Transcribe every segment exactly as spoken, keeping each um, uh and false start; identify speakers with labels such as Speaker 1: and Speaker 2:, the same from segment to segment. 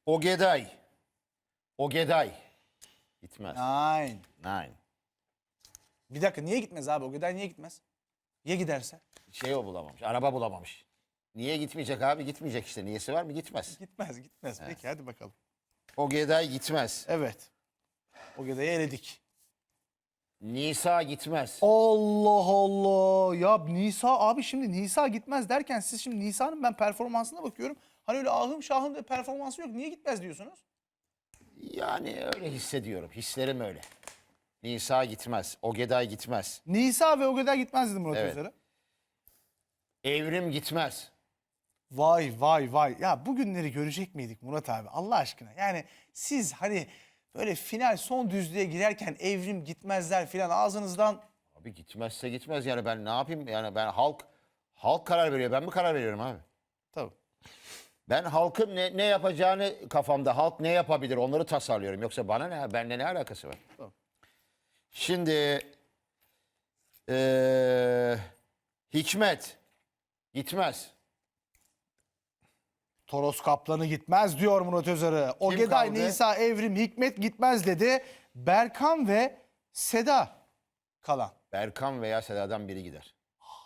Speaker 1: Ogeday. Ogeday. Gitmez.
Speaker 2: Nein.
Speaker 1: Nein.
Speaker 2: Bir dakika niye gitmez abi? Ogeday niye gitmez? Ya giderse?
Speaker 1: Şey o bulamamış. Araba bulamamış. Niye gitmeyecek abi? Gitmeyecek işte. Niyesi var mı? Gitmez.
Speaker 2: Gitmez gitmez. Peki hadi bakalım.
Speaker 1: Ogeday gitmez.
Speaker 2: Evet. Ogeday'ı eledik.
Speaker 1: Nisa gitmez.
Speaker 2: Allah Allah. Ya Nisa abi şimdi Nisa gitmez derken siz şimdi Nisa'nın ben performansına bakıyorum. Hani öyle ahım şahım bir performansı yok. Niye gitmez diyorsunuz?
Speaker 1: Yani öyle hissediyorum. Hislerim öyle. Nisa gitmez. Ogeday gitmez.
Speaker 2: Nisa ve Ogeday gitmez dedi Murat
Speaker 1: Evet.
Speaker 2: Özer'e.
Speaker 1: Evrim gitmez.
Speaker 2: Vay vay vay. Ya bugünleri görecek miydik Murat abi Allah aşkına? Yani siz hani böyle final son düzlüğe girerken Evrim gitmezler filan ağzınızdan...
Speaker 1: Abi gitmezse gitmez yani ben ne yapayım? Yani ben halk halk karar veriyor. Ben mi karar veriyorum abi?
Speaker 2: Tabii.
Speaker 1: Ben halkın ne, ne yapacağını kafamda, halk ne yapabilir onları tasarlıyorum. Yoksa bana ne, benimle ne alakası var?
Speaker 2: Tamam.
Speaker 1: Şimdi eee, Hikmet gitmez.
Speaker 2: Toros Kaplan'ı gitmez diyor Murat Özer'e. Ogeday,
Speaker 1: kaldı?
Speaker 2: Nisa, Evrim, Hikmet gitmez dedi. Berkan ve Seda kalan.
Speaker 1: Berkan veya Seda'dan biri gider.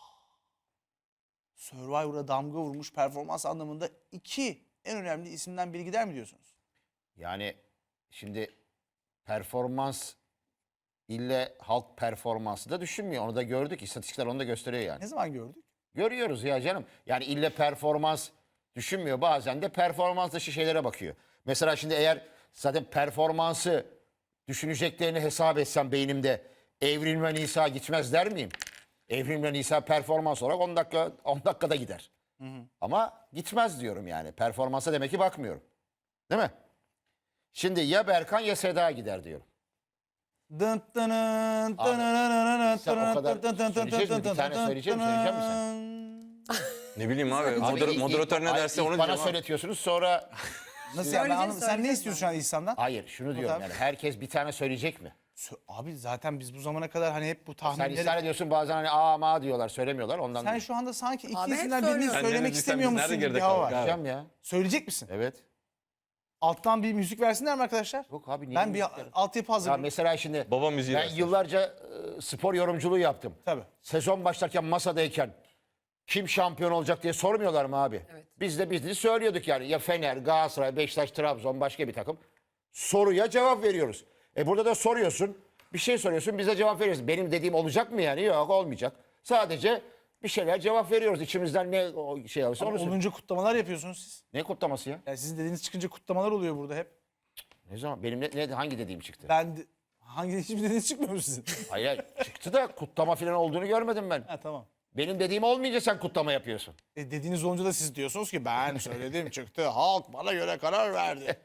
Speaker 2: Survivor'a damga vurmuş performans anlamında iki en önemli isimden biri gider mi diyorsunuz?
Speaker 1: Yani şimdi performans ille halk performansı da düşünmüyor. Onu da gördük. İstatistikler onu da gösteriyor yani.
Speaker 2: Ne zaman gördük?
Speaker 1: Görüyoruz ya canım. Yani ille performans düşünmüyor. Bazen de performans dışı şeylere bakıyor. Mesela şimdi eğer zaten performansı düşüneceklerini hesap etsem beynimde Evrim ve Nisa gitmez der miyim? Evrim ve Nisa performans olarak on dakika on dakikada gider. Ama gitmez diyorum yani. Performansa demek ki bakmıyorum. Değil mi? Şimdi ya Berkan ya Seda gider diyorum.
Speaker 2: Dın dının,
Speaker 1: Abi,
Speaker 2: dınınınının,
Speaker 1: sen o kadar
Speaker 2: dın dın dın
Speaker 1: söyleyeceğiz mi? Bir
Speaker 2: dın
Speaker 1: tane
Speaker 2: dın
Speaker 1: söyleyeceğim mi?
Speaker 2: dın
Speaker 1: Söyleyecek
Speaker 2: dın.
Speaker 3: Ne bileyim abi,
Speaker 1: Abi
Speaker 3: moder-
Speaker 1: ilk-
Speaker 3: moderatör ne
Speaker 1: ilk-
Speaker 3: derse
Speaker 1: ilk
Speaker 3: onu
Speaker 1: bana
Speaker 3: diyeceğim abi.
Speaker 1: söyletiyorsunuz sonra...
Speaker 2: Nasıl yani? Ben
Speaker 4: Söyleyeceğiz,
Speaker 2: anlamadım. Sen ne
Speaker 4: söyleyeceğiz
Speaker 2: istiyorsun şu an İhsan'dan?
Speaker 1: Hayır şunu diyorum
Speaker 2: abi.
Speaker 1: yani herkes bir tane söyleyecek mi?
Speaker 2: Sö- Abi zaten biz bu zamana kadar hani hep bu
Speaker 1: Sen
Speaker 2: tahminleri...
Speaker 1: ısrar ediyorsun bazen hani aa ma diyorlar söylemiyorlar ondan.
Speaker 2: Sen şu anda sanki iki
Speaker 4: Abi hep
Speaker 2: isimden birini
Speaker 4: söylüyorum.
Speaker 3: Sen ne
Speaker 2: söylemek
Speaker 3: dediysen
Speaker 2: istemiyor
Speaker 3: biz
Speaker 2: musun
Speaker 3: nerede
Speaker 2: gibi bir
Speaker 3: geride
Speaker 2: hava
Speaker 3: kaldık
Speaker 2: var.
Speaker 3: abi?
Speaker 1: Diyeceğim ya.
Speaker 2: Söyleyecek misin?
Speaker 1: Evet.
Speaker 2: Alttan bir müzik versinler mi arkadaşlar?
Speaker 1: Yok abi niye
Speaker 2: Ben bir
Speaker 1: müzik verin?
Speaker 2: altyapı
Speaker 1: Ya
Speaker 2: hazırlayayım.
Speaker 1: mesela şimdi
Speaker 3: Baba müziği
Speaker 1: ben
Speaker 3: versin.
Speaker 1: yıllarca e, spor yorumculuğu yaptım.
Speaker 2: Tabii.
Speaker 1: Sezon başlarken masadayken kim şampiyon olacak diye sormuyorlar mı abi?
Speaker 4: Evet.
Speaker 1: Biz de biz de söylüyorduk yani ya Fener, Galatasaray, Beşiktaş, Trabzon başka bir takım. Soruya cevap veriyoruz. E burada da soruyorsun. Bir şey soruyorsun bize cevap veriyorsun. Benim dediğim olacak mı yani? Yok olmayacak. Sadece bir şeyler cevap veriyoruz. İçimizden ne o şey alırsa onu söylüyoruz.
Speaker 2: Olunca kutlamalar yapıyorsunuz siz.
Speaker 1: Ne kutlaması ya?
Speaker 2: Yani sizin dediğiniz çıkınca kutlamalar oluyor burada hep.
Speaker 1: Ne zaman? Benim ne, ne- hangi dediğim çıktı?
Speaker 2: Ben de... Hangi hiçbir dediğiniz çıkmıyor mu sizin?
Speaker 1: Hayır, hayır, çıktı da kutlama falan olduğunu görmedim ben.
Speaker 2: Ha tamam.
Speaker 1: Benim dediğim olmayınca sen kutlama yapıyorsun.
Speaker 2: E, dediğiniz olunca da siz diyorsunuz ki ben söyledim çıktı. Halk bana göre karar verdi.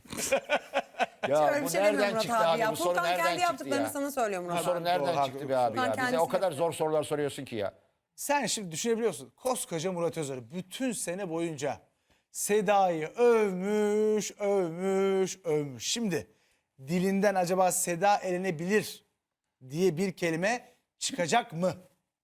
Speaker 1: Ya
Speaker 4: Öyle bir şey demiyor Murat abi ya.
Speaker 1: Bu soru
Speaker 4: Furkan
Speaker 1: nereden
Speaker 4: kendi
Speaker 1: çıktı
Speaker 4: yaptıklarını
Speaker 1: ya?
Speaker 4: sana söylüyor
Speaker 1: Bu
Speaker 4: Murat
Speaker 1: soru
Speaker 4: abi.
Speaker 1: nereden
Speaker 2: Doğru,
Speaker 1: çıktı
Speaker 2: haklı.
Speaker 1: be abi
Speaker 4: Ben
Speaker 1: ya? Bize
Speaker 4: kendisi
Speaker 1: o kadar
Speaker 4: yapıyor.
Speaker 1: zor sorular soruyorsun ki ya.
Speaker 2: Sen şimdi düşünebiliyorsun. Koskoca Murat Özer bütün sene boyunca Seda'yı övmüş, övmüş, övmüş. Şimdi dilinden acaba Seda elenebilir diye bir kelime çıkacak mı?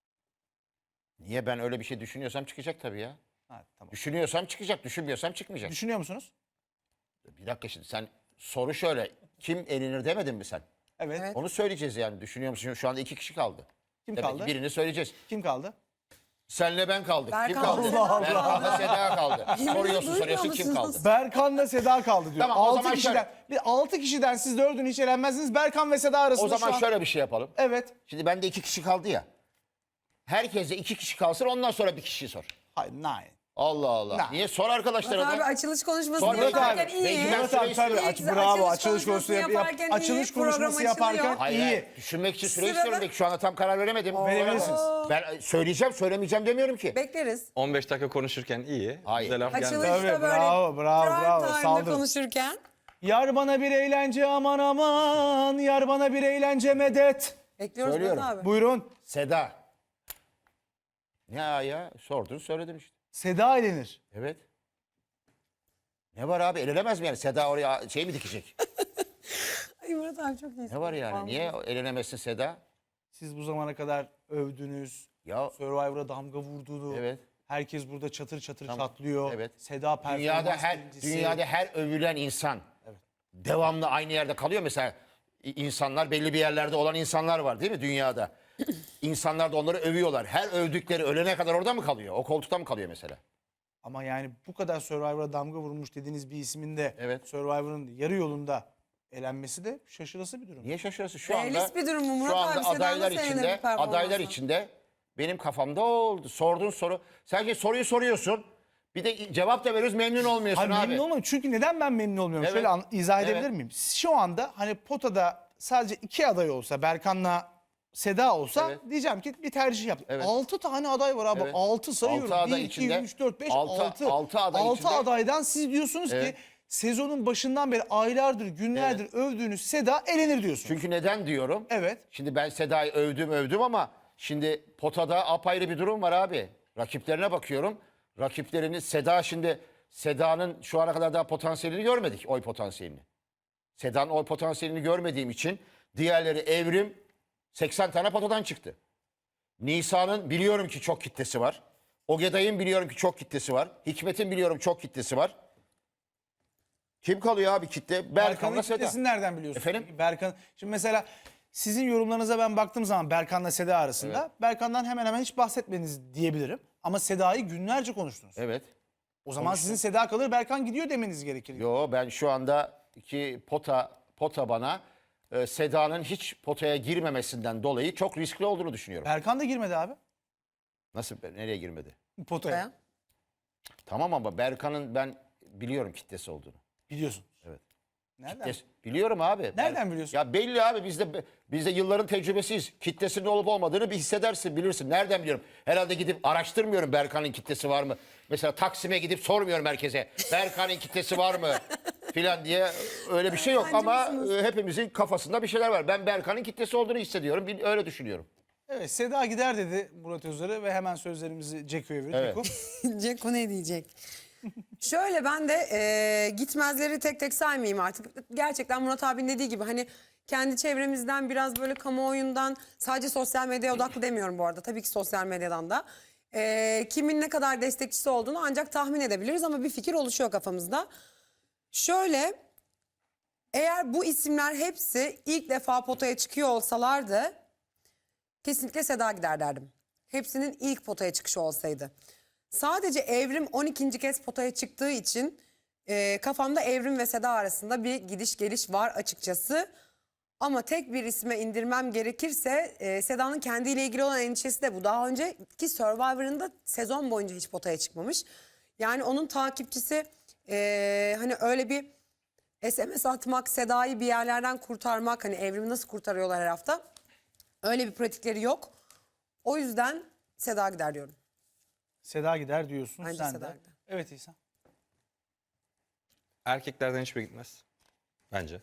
Speaker 1: Niye ben öyle bir şey düşünüyorsam çıkacak tabii ya.
Speaker 2: Ha, tamam.
Speaker 1: Düşünüyorsam çıkacak, düşünmüyorsam çıkmayacak.
Speaker 2: Düşünüyor musunuz?
Speaker 1: Bir dakika şimdi sen soru şöyle. Kim elenir demedin mi sen?
Speaker 2: Evet.
Speaker 4: Evet.
Speaker 1: Onu söyleyeceğiz yani. Düşünüyor musun? Şu anda iki kişi kaldı.
Speaker 2: Kim
Speaker 1: Demek
Speaker 2: kaldı?
Speaker 1: ki birini söyleyeceğiz.
Speaker 2: Kim kaldı?
Speaker 1: Senle ben kaldık. Kim
Speaker 4: Berkan,
Speaker 1: kaldı?
Speaker 4: Seda kaldı.
Speaker 1: Berkan'la Seda kaldı.
Speaker 4: Yemin
Speaker 1: Soruyorsun
Speaker 4: ediyorum,
Speaker 1: soruyorsun kim
Speaker 4: duymuyor
Speaker 1: kaldı?
Speaker 4: musunuz?
Speaker 2: Berkan'la Seda kaldı diyor.
Speaker 1: Tamam, o
Speaker 2: altı
Speaker 1: zaman
Speaker 2: kişiden,
Speaker 1: şöyle.
Speaker 2: bir altı kişiden siz dördünü hiç elenmezsiniz. Berkan ve Seda arasında
Speaker 1: O zaman
Speaker 2: şu an...
Speaker 1: şöyle bir şey yapalım.
Speaker 2: Evet.
Speaker 1: Şimdi bende iki kişi kaldı ya. Herkese iki kişi kalsın ondan sonra bir kişi sor.
Speaker 2: Hayır, nine.
Speaker 1: Allah Allah.
Speaker 2: Nah.
Speaker 1: Niye? Sor arkadaşlara
Speaker 4: Murat abi
Speaker 1: da.
Speaker 4: açılış konuşması
Speaker 1: Sonra
Speaker 4: yaparken
Speaker 1: abi,
Speaker 4: iyi.
Speaker 1: belki ben
Speaker 2: Murat
Speaker 1: süre
Speaker 2: abi tabii
Speaker 1: istiyorum.
Speaker 2: aç,
Speaker 4: Güzel,
Speaker 2: bravo
Speaker 4: açılış
Speaker 2: açılış konuşması yap, yap-
Speaker 4: yaparken
Speaker 2: açılış
Speaker 4: iyi,
Speaker 2: konuşması
Speaker 4: program
Speaker 2: yaparken
Speaker 4: açılıyor.
Speaker 1: Hayır,
Speaker 2: iyi.
Speaker 1: hayır. Düşünmek için süre
Speaker 4: Sırada-
Speaker 1: istiyorum. Şu anda tam karar veremedim.
Speaker 2: Verebilirsiniz.
Speaker 1: Ben söyleyeceğim söylemeyeceğim demiyorum ki.
Speaker 4: Bekleriz.
Speaker 3: on beş dakika konuşurken iyi.
Speaker 1: Hayır.
Speaker 3: Bize laf gelmedi.
Speaker 4: Açılışta
Speaker 2: Tabii,
Speaker 4: böyle
Speaker 2: bravo, bravo,
Speaker 4: prime
Speaker 2: bravo,
Speaker 4: time'da
Speaker 2: saldırın.
Speaker 4: konuşurken.
Speaker 2: Yar bana bir eğlence aman aman, yar bana bir eğlence medet.
Speaker 4: Bekliyoruz
Speaker 1: Söylüyorum.
Speaker 4: Murat abi.
Speaker 2: Buyurun.
Speaker 1: Seda. Ne ya ya? Sordun söyledim işte.
Speaker 2: Seda elenir.
Speaker 1: Evet. Ne var abi? Elenemez mi yani? Seda oraya şey mi dikecek?
Speaker 4: Ay Murat abi çok iyisin.
Speaker 1: Ne var yani? Niye elenemezsin Seda?
Speaker 2: Siz bu zamana kadar övdünüz.
Speaker 1: Ya
Speaker 2: Survivor'a damga vurduğunu.
Speaker 1: evet.
Speaker 2: Herkes burada çatır çatır
Speaker 1: Tamam.
Speaker 2: çatlıyor.
Speaker 1: Evet.
Speaker 2: Seda performans
Speaker 1: Dünyada her
Speaker 2: birincisi.
Speaker 1: dünyada her övülen insan devamlı aynı yerde kalıyor. Mesela i- insanlar belli bir yerlerde olan insanlar var değil mi dünyada? İnsanlar da onları övüyorlar. Her övdükleri ölene kadar orada mı kalıyor? O koltukta mı kalıyor mesela?
Speaker 2: Ama yani bu kadar Survivor'a damga vurmuş dediğiniz bir ismin de
Speaker 1: Evet.
Speaker 2: Survivor'ın yarı yolunda elenmesi de şaşırası bir durum.
Speaker 1: Niye şaşırıyorsun? Şu
Speaker 4: Realist
Speaker 1: anda
Speaker 4: bir durum mu Murat
Speaker 1: şu anda
Speaker 4: abi? Seda'nın
Speaker 1: adaylar
Speaker 4: seninle
Speaker 1: içinde
Speaker 4: bir performansı.
Speaker 1: adaylar içinde benim kafamda o oldu. Sorduğun soru. Sadece soruyu soruyorsun. Bir de cevap da veriyoruz, memnun olmuyorsun
Speaker 2: Hayır,
Speaker 1: abi.
Speaker 2: memnun olmadım. Çünkü neden ben memnun olmuyorum?
Speaker 1: Evet.
Speaker 2: Şöyle an- izah edebilir
Speaker 1: Evet.
Speaker 2: miyim? Şu anda hani potada sadece iki aday olsa, Berkan'la Seda olsa
Speaker 1: Evet.
Speaker 2: diyeceğim ki bir tercih yap.
Speaker 1: Evet.
Speaker 2: altı tane aday var abi.
Speaker 1: Evet.
Speaker 2: altı sayıyorum.
Speaker 1: Altı aday
Speaker 2: bir, iki,
Speaker 1: içinde-
Speaker 2: üç, dört, beş,
Speaker 1: altı-
Speaker 2: altı.
Speaker 1: altı aday içinde-
Speaker 2: adaydan siz diyorsunuz
Speaker 1: Evet.
Speaker 2: ki sezonun başından beri aylardır, günlerdir övdüğünüz Seda elenir diyorsunuz.
Speaker 1: Çünkü neden diyorum?
Speaker 2: Evet.
Speaker 1: Şimdi ben Seda'yı övdüm övdüm ama şimdi potada apayrı bir durum var abi. Rakiplerine bakıyorum. Rakiplerini Seda şimdi Seda'nın şu ana kadar daha potansiyelini görmedik. Oy potansiyelini. Seda'nın oy potansiyelini görmediğim için diğerleri Evrim seksen tane potadan çıktı. Nisa'nın biliyorum ki çok kitlesi var. Ogeday'ın biliyorum ki çok kitlesi var. Hikmet'in biliyorum çok kitlesi var. Kim kalıyor abi kitle?
Speaker 2: Berkan'ın
Speaker 1: Berkan'la Seda.
Speaker 2: kitlesini nereden biliyorsunuz?
Speaker 1: Efendim?
Speaker 2: Peki Berkan, şimdi mesela sizin yorumlarınıza ben baktığım zaman Berkan'la Seda arasında Berkan'dan hemen hemen hiç bahsetmediniz diyebilirim. Ama Seda'yı günlerce konuştunuz.
Speaker 1: Evet.
Speaker 2: O zaman sizin Seda kalır, Berkan gidiyor demeniz gerekir.
Speaker 1: Yo ben şu anda ki pota pota bana e, Seda'nın hiç potaya girmemesinden dolayı çok riskli olduğunu düşünüyorum.
Speaker 2: Berkan da girmedi abi
Speaker 1: Nasıl nereye girmedi?
Speaker 2: potaya.
Speaker 4: Ya.
Speaker 1: Tamam ama Berkan'ın ben biliyorum kitlesi olduğunu.
Speaker 2: Biliyorsun.
Speaker 1: Evet.
Speaker 2: Nereden?
Speaker 1: Kitlesi- biliyorum abi.
Speaker 2: Nereden biliyorsun?
Speaker 1: Ya belli abi bizde bizde yılların tecrübesiyiz. Kitlesinin olup olmadığını bir hissedersin, bilirsin. Nereden biliyorum? Herhalde gidip araştırmıyorum Berkan'ın kitlesi var mı? Mesela Taksim'e gidip sormuyorum herkese. Berkan'ın kitlesi var mı? Filan diye öyle bir şey yok
Speaker 4: Bence
Speaker 1: ama
Speaker 4: misiniz?
Speaker 1: e, hepimizin kafasında bir şeyler var. Ben Berkan'ın kitlesi olduğunu hissediyorum. bil- Öyle düşünüyorum.
Speaker 2: Evet, Seda gider dedi Murat Özer'e ve hemen sözlerimizi Ceko'ya verdik.
Speaker 1: Evet.
Speaker 2: Ceko.
Speaker 4: Ceko ne diyecek? Şöyle ben de e, gitmezleri tek tek saymayayım artık. Gerçekten Murat abinin dediği gibi hani kendi çevremizden biraz böyle kamuoyundan sadece sosyal medyaya odaklı demiyorum bu arada. Tabii ki sosyal medyadan da. E, kimin ne kadar destekçisi olduğunu ancak tahmin edebiliriz ama bir fikir oluşuyor kafamızda. Şöyle eğer bu isimler hepsi ilk defa potaya çıkıyor olsalardı kesinlikle Seda gider derdim. Hepsinin ilk potaya çıkışı olsaydı. Sadece Evrim on ikinci kez potaya çıktığı için e, kafamda Evrim ve Seda arasında bir gidiş geliş var açıkçası. Ama tek bir isme indirmem gerekirse e, Seda'nın kendiyle ilgili olan endişesi de bu. Daha önceki Survivor'ında sezon boyunca hiç potaya çıkmamış. Yani onun takipçisi e, hani öyle bir S M S atmak, Seda'yı bir yerlerden kurtarmak, hani Evrim'i nasıl kurtarıyorlar her hafta. Öyle bir pratikleri yok. O yüzden Seda gider diyorum.
Speaker 2: Seda gider diyorsun
Speaker 4: Bence
Speaker 2: sen
Speaker 4: Seda
Speaker 2: de.
Speaker 4: gider.
Speaker 2: Evet İhsan.
Speaker 3: Erkeklerden hiçbir gitmez. Bence.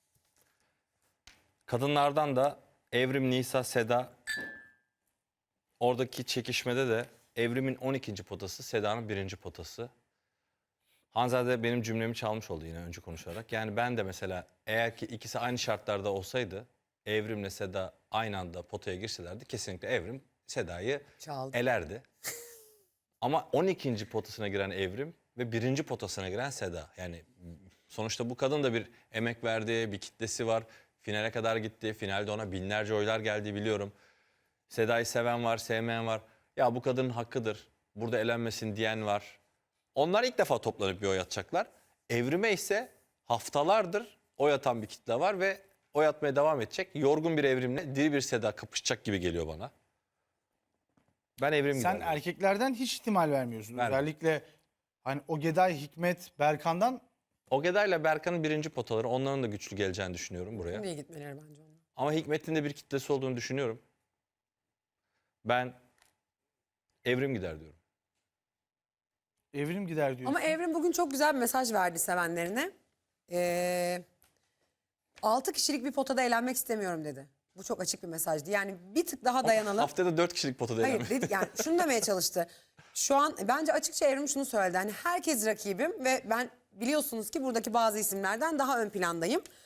Speaker 3: Kadınlardan da Evrim, Nisa, Seda oradaki çekişmede de Evrim'in on ikinci potası, Seda'nın birinci potası. Hanzade benim cümlemi çalmış oldu yine önce konuşarak. Yani ben de mesela eğer ki ikisi aynı şartlarda olsaydı Evrim'le Seda aynı anda potaya girselerdi kesinlikle Evrim Seda'yı
Speaker 4: Çaldı.
Speaker 3: elerdi. Ama on ikinci potasına giren Evrim ve birinci potasına giren Seda. Yani sonuçta bu kadın da bir emek verdi, bir kitlesi var. Finale kadar gitti. Finalde ona binlerce oylar geldi biliyorum. Seda'yı seven var, sevmeyen var. Ya bu kadının hakkıdır. Burada elenmesin diyen var. Onlar ilk defa toplanıp bir oy atacaklar. Evrime ise haftalardır oy atan bir kitle var ve oy atmaya devam edecek. Yorgun bir Evrimle diri bir Seda kapışacak gibi geliyor bana. Ben Evrim
Speaker 2: Sen
Speaker 3: giderim.
Speaker 2: erkeklerden hiç ihtimal vermiyorsun.
Speaker 3: Vermem.
Speaker 2: Özellikle hani Ogeday, Hikmet, Berkan'dan
Speaker 3: Ogeda ile Berkan'ın birinci potaları, onların da güçlü geleceğini düşünüyorum buraya.
Speaker 4: Niye gitmeleri bence onlar.
Speaker 3: Ama Hikmet'in de bir kitlesi olduğunu düşünüyorum. Ben Evrim gider diyorum.
Speaker 2: Evrim gider diyorsun.
Speaker 4: Ama Evrim bugün çok güzel bir mesaj verdi sevenlerine. Ee, altı kişilik bir potada eğlenmek istemiyorum dedi. Bu çok açık bir mesajdı. Yani bir tık daha dayanalım.
Speaker 3: Haftada dört kişilik potada
Speaker 4: Hayır
Speaker 3: eğlenmek.
Speaker 4: dedi, yani şunu demeye çalıştı. Şu an bence açıkça Evrim şunu söyledi. Hani herkes rakibim ve ben biliyorsunuz ki buradaki bazı isimlerden daha ön plandayım.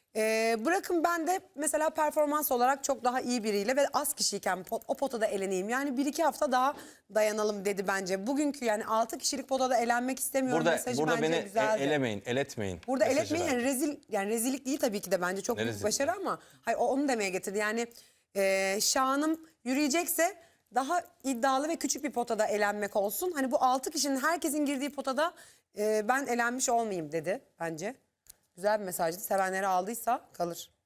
Speaker 4: Ee, bırakın ben de mesela performans olarak çok daha iyi biriyle ve az kişiyken pot- o potada eleneyim. Yani bir iki hafta daha dayanalım dedi bence. Bugünkü yani altı kişilik potada elenmek istemiyorum
Speaker 3: Burada
Speaker 4: mesajı
Speaker 3: burada
Speaker 4: bence
Speaker 3: beni
Speaker 4: güzeldi.
Speaker 3: e- elemeyin, eletmeyin.
Speaker 4: Burada
Speaker 3: mesajı
Speaker 4: eletmeyin
Speaker 3: verdi.
Speaker 4: yani rezil yani rezillik değil tabii ki de bence çok
Speaker 3: Ne
Speaker 4: büyük
Speaker 3: rezillik
Speaker 4: başarı ama hayır o- onu demeye getirdi. Yani e, Şahan'ım yürüyecekse daha iddialı ve küçük bir potada elenmek olsun. Hani bu altı kişinin herkesin girdiği potada e, ben elenmiş olmayayım dedi bence. Güzel bir mesajdı. Sevenleri aldıysa kalır.